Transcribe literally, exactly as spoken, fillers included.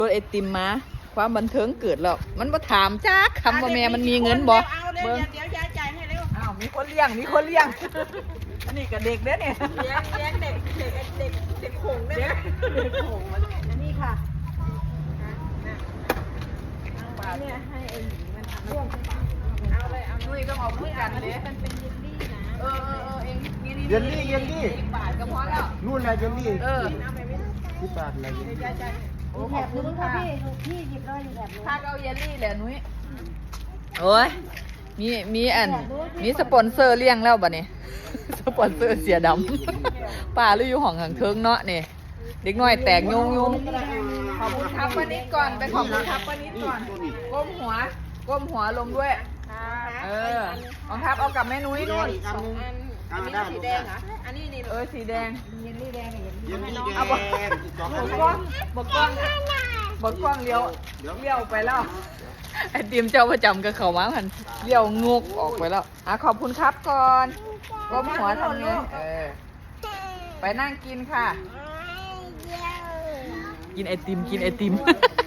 รถไอติมมาความบันเทิงเกิดแล้วมันมาถามจ้าคำว่าแม่มันมีเงินบ่เบิ้งเดี๋ยวยายจ่ายให้เร็วอ้าวมีคนเลี้ยงมีคนเลี้ยงอันนี้กับเด็กเด้อเนี่ยเลี้ยงเลี้ยงเด็กเด็กเด็กเด็กหงได้ไหมเด็กหงอันนี้ค่ะเนี่ยให้ไอ้หญิงมันทำร่วงเอาเลยเอานุ้ยต้องเอาพูดกันเด้มันเป็นเยลลี่นะเออเออเออเองนี่เยลลี่เยลลี่สิบบาทก็พอแล้วนู่นนะเยลลี่เออเอาไปไม่ได้ที่บาทอะไรเยลลี่จ่ายจ่ายโอ้ขอบคุณค่ะพี่หยิบเลยอยู่แบบนู้นถ้าเอาเยลลี่แหละนุ้ยโอ้ยมีมีอันมีสปอนเซอร์เลี้ยงแล้วบ่เนี่ย สปอนเซอร์เสียดำป้าหรืออยู่ห้องข้างเทิงเนาะนี่เด็กน้อยแตกยุงยุงขอบคุณครับป้านิดก่อนไปขอบคุณครับป้านิดก่อนก้มหัวก้มหัวลงด้วย เออรองทับเอากับแม่นุ้ยนู่นอันนึงอันนี้สีแดงเหรออันนี้นี่เออสีแดงเยลลี่แดงกับเยลเยลี่ลลี่แดเอาบ่งอีกสองบอันกกล้องบกกล้องบกกล้องเลี้ยวเลี้ยวไปแล้วไอติมเจ้าประจำกับเขามาพันเลี้ยวงกออกไปแล้วอ่ะขอบคุณครับก่อนก้มหัวทำไงเออไปนั่งกินค่ะ กินไอติมกินไอติม